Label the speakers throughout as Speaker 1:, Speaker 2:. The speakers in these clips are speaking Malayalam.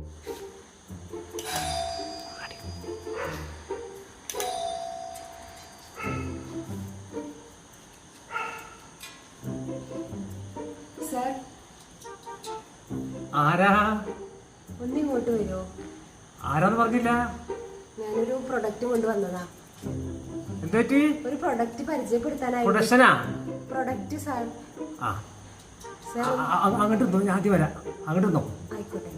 Speaker 1: സർ,
Speaker 2: ആരാ?
Speaker 1: ഒന്നിങ്ങോട്ട് വരുമോ?
Speaker 2: ആരാന്ന് പറഞ്ഞില്ല.
Speaker 1: ഞാനൊരു പ്രൊഡക്റ്റ് കൊണ്ടുവന്നതാ.
Speaker 2: എന്തുപറ്റി?
Speaker 1: ഒരു പ്രൊഡക്റ്റ് പരിചയപ്പെടുത്താനായി.
Speaker 2: പ്രൊഡക്ഷനാ?
Speaker 1: Product sir.
Speaker 2: ആ, അങ്ങോട്ട് ഇരുന്നോ, ഞാൻ ആദ്യം വരാം. അങ്ങോട്ട് ഇരുന്നോ.
Speaker 1: ആയിക്കോട്ടെ.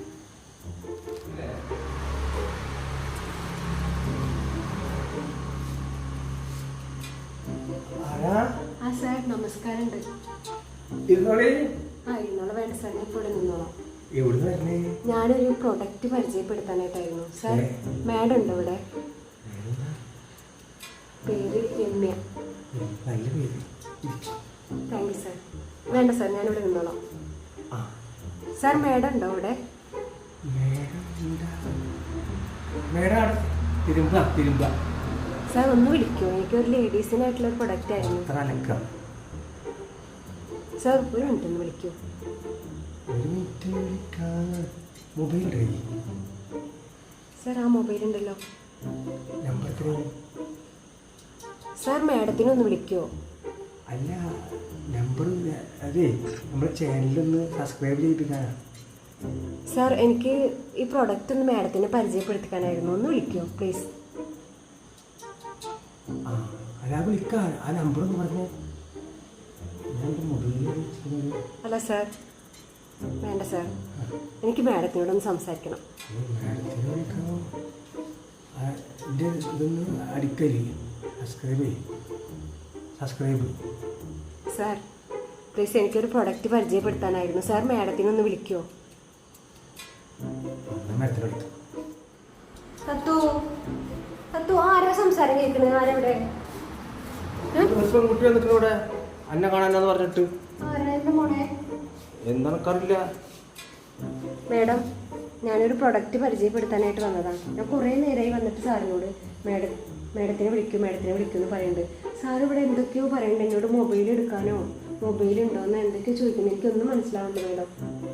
Speaker 1: ആ സാർ, നമസ്കാരമുണ്ട്.
Speaker 2: ഇരുന്നോളേ.
Speaker 1: ആ, ഇരുന്നോളാം. വേണ്ട സാർ, ഞാൻ ഇപ്പോൾ ഇവിടെ നിന്നോളാം.
Speaker 2: എവിടുന്ന് വരണേ?
Speaker 1: ഞാനൊരു പ്രൊഡക്റ്റ് പരിചയപ്പെടുത്താനായിട്ടായിരുന്നു സാർ. മാഡം ഉണ്ടോ ഇവിടെ? പേര് രമ്യ.
Speaker 2: നല്ല പേര്.
Speaker 1: Thank you sir. വേണ്ട സാർ, ഞാനിവിടെ നിന്നോളാം. സാർ, മാഡം ഉണ്ടോ ഇവിടെ?
Speaker 2: തിരുമ്പ.
Speaker 1: സാർ, ഒന്ന് വിളിക്കുമോ? എനിക്കൊരു ലേഡീസിനായിട്ടുള്ള ഒരു പ്രൊഡക്റ്റ് ആയിരുന്നു. സാർ, ഒരു മിനിറ്റ് ഒന്ന് വിളിക്കൂ. സാർ, ആ മൊബൈൽ ഉണ്ടല്ലോ. സാർ, മാഡത്തിനൊന്ന് വിളിക്കുമോ?
Speaker 2: അല്ല, നമ്പർ അതെ, നമ്മുടെ ചാനലൊന്ന് സബ്സ്ക്രൈബ് ചെയ്തിട്ടാണ്.
Speaker 1: സാർ, എനിക്ക് ഈ പ്രൊഡക്റ്റ് ഒന്ന് മാഡത്തിനെ പരിചയപ്പെടുത്തിക്കാനായിരുന്നു. ഒന്ന് വിളിക്കുമോ പ്ലീസ്?
Speaker 2: അല്ല, വിളിക്കാം. ആ നമ്പർ ഒന്ന് പറഞ്ഞേ.
Speaker 1: അല്ല സാർ, വേണ്ട സാർ, എനിക്ക് മാഡത്തിനോടൊന്ന് സംസാരിക്കണം.
Speaker 2: ഇതൊന്ന് അടിക്കല് സബ്സ്ക്രൈബ്.
Speaker 1: സാർ, പ്ലീസ്, എനിക്കൊരു പ്രൊഡക്റ്റ് പരിചയപ്പെടുത്താനായിരുന്നു. സാർ, മാഡത്തിനൊന്ന് വിളിക്കുമോ? തത്തു, ആരാ സംസാരം കേൾക്കുന്നത്? ആരെവിടെ?
Speaker 2: കുട്ടി വന്നിട്ട് ഇവിടെ അന്നെ കാണാനാന്ന് പറഞ്ഞിട്ട്.
Speaker 1: ആരാ മോളെ?
Speaker 2: എന്താണെന്നറിയില്ല.
Speaker 1: മാഡം, ഞാനൊരു പ്രൊഡക്റ്റ് പരിചയപ്പെടുത്താനായിട്ട് വന്നതാണ്. ഞാൻ കുറേ നേരമായി വന്നിട്ട് സാറിനോട് മാഡത്തിനെ വിളിക്കും എന്ന് പറയുന്നുണ്ട്. സാർ ഇവിടെ എന്തൊക്കെയോ പറയുന്നുണ്ട്. എന്നോട് മൊബൈൽ എടുക്കാനോ മൊബൈൽ ഉണ്ടോയെന്ന് എന്തൊക്കെയോ ചോദിക്കുന്നത്. എനിക്കൊന്നും മനസ്സിലാവുന്നുണ്ട് മാഡം.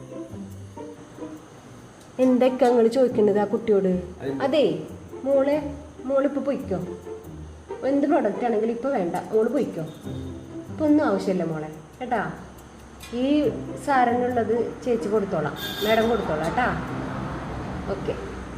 Speaker 1: എന്തൊക്കെയാ നിങ്ങൾ ചോദിക്കേണ്ടത് ആ കുട്ടിയോട്? അതെ, മോളിപ്പോൾ പൊയ്ക്കോ. എന്ത് പ്രൊഡക്റ്റ് ആണെങ്കിലും ഇപ്പോൾ വേണ്ട, മോള് പൊയ്ക്കോ. ഇപ്പോൾ ഒന്നും ആവശ്യമില്ല മോളെ, കേട്ടാ. ഈ സാറിനുള്ളത് ചേച്ചി കൊടുത്തോളാം, മാഡം കൊടുത്തോളാം കേട്ടാ. ഓക്കെ.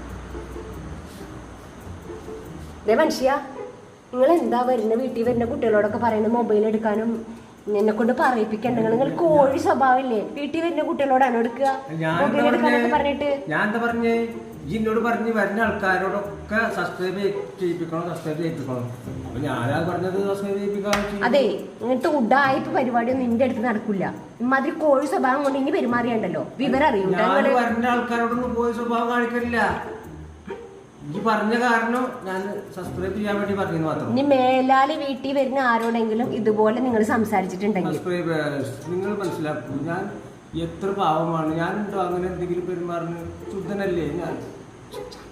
Speaker 1: ദേ മനുഷ്യ, നിങ്ങൾ എന്താ വീട്ടിൽ വരുന്ന കുട്ടികളോടൊക്കെ പറയുന്നത് മൊബൈൽ എടുക്കാനും എന്നെ കൊണ്ട് പറയിപ്പിക്കണ്ട. നിങ്ങൾ കോഴി സ്വഭാവമില്ലേ? വീട്ടിൽ വരുന്ന കുട്ടികളോടാണ് എടുക്കുക മൊബൈൽ എടുക്കാനൊക്കെ പറഞ്ഞിട്ട്.
Speaker 2: ഞാൻ എന്താ പറഞ്ഞേ? എന്നോട് പറഞ്ഞ് വരുന്ന ആൾക്കാരോടൊക്കെ സബ്സ്ക്രൈബ് ചെയ്യിപ്പിക്കണം. അപ്പൊ ഞാനാ പറഞ്ഞത് സബ്സ്ക്രൈബ് ചെയ്യിപ്പിക്കാം.
Speaker 1: അതെ, ഇങ്ങനത്തെ ഉഡായിപ്പ് പരിപാടിയൊന്നും നിന്റെ അടുത്ത് നടക്കില്ല. ഇമാതിരി കോഴി സ്വഭാവം കൊണ്ട് ഇനി പെരുമാറിയണ്ടല്ലോ. വിവരം അറിയും.
Speaker 2: വരുന്ന ആൾക്കാരോടൊന്നും കോഴി സ്വഭാവം കാണിക്കില്ല. ഈ പറഞ്ഞ കാരണം ഞാൻ സബ്സ്ക്രൈബ് ചെയ്യാൻ വേണ്ടി പറഞ്ഞു മാത്രം.
Speaker 1: ഇനി മേലാല് വീട്ടിൽ വരുന്ന ആരോടെങ്കിലും ഇതുപോലെ നിങ്ങൾ സംസാരിച്ചിട്ടുണ്ടെങ്കിൽ
Speaker 2: നിങ്ങൾ മനസ്സിലാക്കൂ, ഞാൻ എത്ര പാവമാണ്. ഞാനുണ്ടോ അങ്ങനെ എന്തെങ്കിലും പെരുമാറുന്നത്? ശുദ്ധനല്ലേ ഞാൻ?